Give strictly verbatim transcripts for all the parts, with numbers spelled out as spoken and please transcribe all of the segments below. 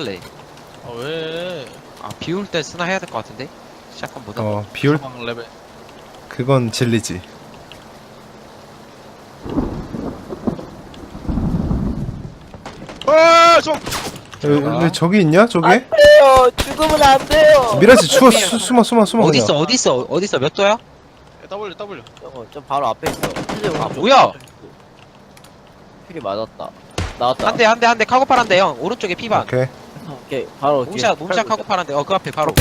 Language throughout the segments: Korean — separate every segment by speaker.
Speaker 1: 바꿀래.
Speaker 2: 아 왜?
Speaker 1: 아 비올 때 쓰나 해야 될 것 같은데. 샷건보다.
Speaker 3: 어 비올
Speaker 2: 사망 레벨.
Speaker 3: 그건 진리지.
Speaker 2: 아 좀.
Speaker 3: 왜, 왜 저기 있냐 저게?
Speaker 4: 돼요. 죽으면 안 돼요.
Speaker 3: 미라지 추워 수, 숨어 숨어 숨어
Speaker 1: 어디
Speaker 3: 그냥.
Speaker 1: 있어? 어디 있어? 어디 있어? 몇 도야?
Speaker 2: W W.
Speaker 4: 저거 저 바로 앞에 있어.
Speaker 1: 아 뭐야?
Speaker 4: 필이 맞았다. 나왔다.
Speaker 1: 한 대 한 대 한 대 카고팔 한 대 형. 오른쪽에 피반.
Speaker 3: 오케이.
Speaker 4: 오케이 바로
Speaker 1: 몸샷 몸샷 카고팔 한 대. 어 그 앞에 바로.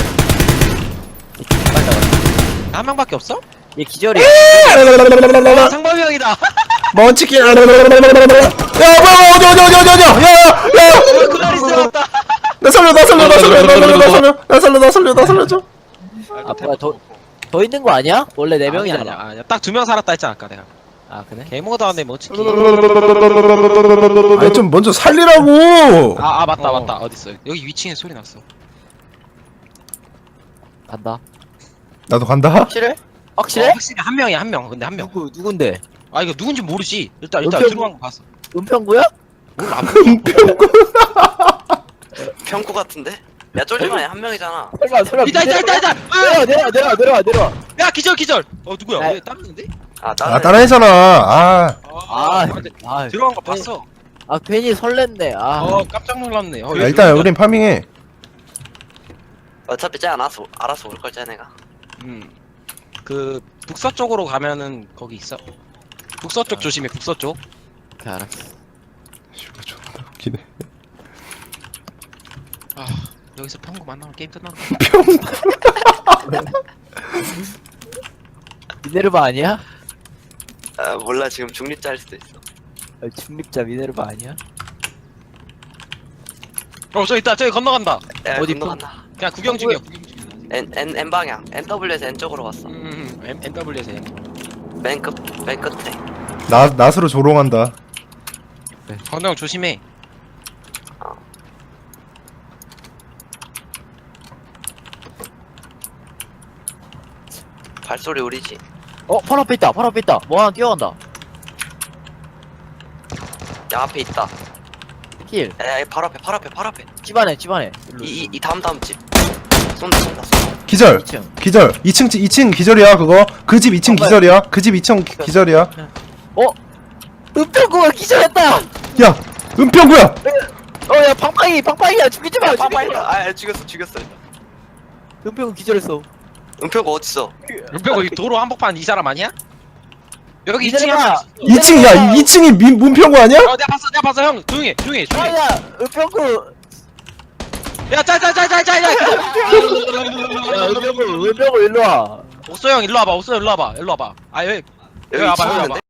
Speaker 4: 맞다.
Speaker 1: 한 명밖에 없어?
Speaker 4: 얘 기절이야.
Speaker 1: 아, 상범이 형이다.
Speaker 3: 먼치킨. 야 뭐야 어디 어디 어디 어디 어디 야야야
Speaker 1: 어, 클라리스 나왔다.
Speaker 3: 나 살려 나 살려 나 살려 나 살려 나 살려 나 살려 나 살려 나 살려줘.
Speaker 4: 아 뭐야 더 더 있는 거 아니야? 원래 네
Speaker 1: 아니야
Speaker 4: 명이잖아.
Speaker 1: 아니야. 아니야. 딱 두 명 살았다 했잖아 아까 내가.
Speaker 4: 아 그래?
Speaker 1: 개모도 안돼 뭐 치킨.
Speaker 3: 아니 좀 먼저 살리라고.
Speaker 1: 아, 아 맞다
Speaker 4: 어.
Speaker 1: 맞다 어디 있어? 여기 위층에 소리 났어.
Speaker 4: 간다.
Speaker 3: 나도 간다.
Speaker 4: 확실해?
Speaker 1: 어,
Speaker 4: 확실해?
Speaker 1: 확실히 한 명이야 한 명. 근데 한 명.
Speaker 4: 누구 누군데?
Speaker 1: 아 이거 누군지 모르지. 일단 일단
Speaker 4: 은평-
Speaker 1: 들어간 거 봤어.
Speaker 4: 은평구야?
Speaker 1: 몰라. 안
Speaker 5: 평구 같은데? 야 쫄지마 한 명이잖아.
Speaker 4: 설마 설마.
Speaker 1: 있다 있다 있다 있다. 아!
Speaker 4: 내려와 내려와 내려와 내려와 내려와.
Speaker 1: 야 기절 기절. 어 누구야?
Speaker 4: 아.
Speaker 1: 왜 따르는데?
Speaker 5: 아
Speaker 3: 아
Speaker 5: 나는
Speaker 3: 따라했잖아. 아
Speaker 4: 아,
Speaker 1: 근데
Speaker 4: 아,
Speaker 1: 들어간 거 봤어.
Speaker 4: 아 괜히 설렜네. 아.
Speaker 1: 어 깜짝 놀랐네. 어,
Speaker 3: 야, 일단 우린 파밍해.
Speaker 5: 어차피 쟤 알아서 알아서 올걸 쟤네가.
Speaker 1: 음그 북서쪽으로 가면은 거기 있어. 북서쪽 조심해. 북서쪽.
Speaker 4: 오케이 알았어.
Speaker 3: 슈가 존나 웃기네.
Speaker 1: 아 여기서 평구 만나면 게임 끝난다.
Speaker 4: 미네르바 아니야?
Speaker 5: 아 몰라 지금 중립자 할 수도 있어.
Speaker 4: 아, 중립자 미네르바 아니야?
Speaker 1: 어 저기 있다. 저기 건너간다.
Speaker 5: 야,
Speaker 4: 어디
Speaker 5: 건너간다.
Speaker 1: 그냥 구경 중이야. 구경 중.
Speaker 5: N N N 방향. N W에서 N 쪽으로 갔어.
Speaker 1: 음 음, N W에서
Speaker 5: 맨 끝, 맨 끝에.
Speaker 3: 나 낫으로 조롱한다.
Speaker 1: 건너 조심해.
Speaker 5: 발소리 우리지.
Speaker 4: 어, 바로 앞에 있다. 바로 앞에 있다. 뭐 하나 뛰어간다.
Speaker 5: 야 앞에 있다.
Speaker 4: 킬.
Speaker 5: 야, 야 바로 앞에 바로 앞에 바로 앞에.
Speaker 4: 집안에 집안에.
Speaker 5: 이 이 이 다음 다음 집. 쏜다 쏜다 쏜다.
Speaker 3: 기절.
Speaker 4: 이 층.
Speaker 3: 기절. 이 층 이 층 기절이야 그거. 그 집 이 층
Speaker 4: 정말.
Speaker 3: 기절이야. 그 집 이 층 기절이야.
Speaker 4: 은평구가 기절했다.
Speaker 3: 야 은평구야.
Speaker 4: 어, 야 방팡이 방팡이야. 죽이지 마. 죽이지 마.
Speaker 5: 아 야, 죽였어 죽였어.
Speaker 4: 은평구 기절했어.
Speaker 5: 은표가 어딨어?
Speaker 1: 은평 이 도로 한복판 이 사람 아니야? 여기 이 층에
Speaker 4: 미네르바.
Speaker 1: 한 명 있어.
Speaker 3: 이 층이야. 이 층이 민 문평구 아니야?
Speaker 1: 어 내가 봤어 내가 봤어 형 조용히 해 조용히 해 조용히 해.
Speaker 4: 아야, 은평구.
Speaker 1: 야 짤짤짤짤짤짤
Speaker 4: 야, 은평구, 은평구 일로 와.
Speaker 1: 옥소 형 일로 와봐 옥소 형 일로 와봐 일로 와봐 아 여기 여기 와봐 여기 와봐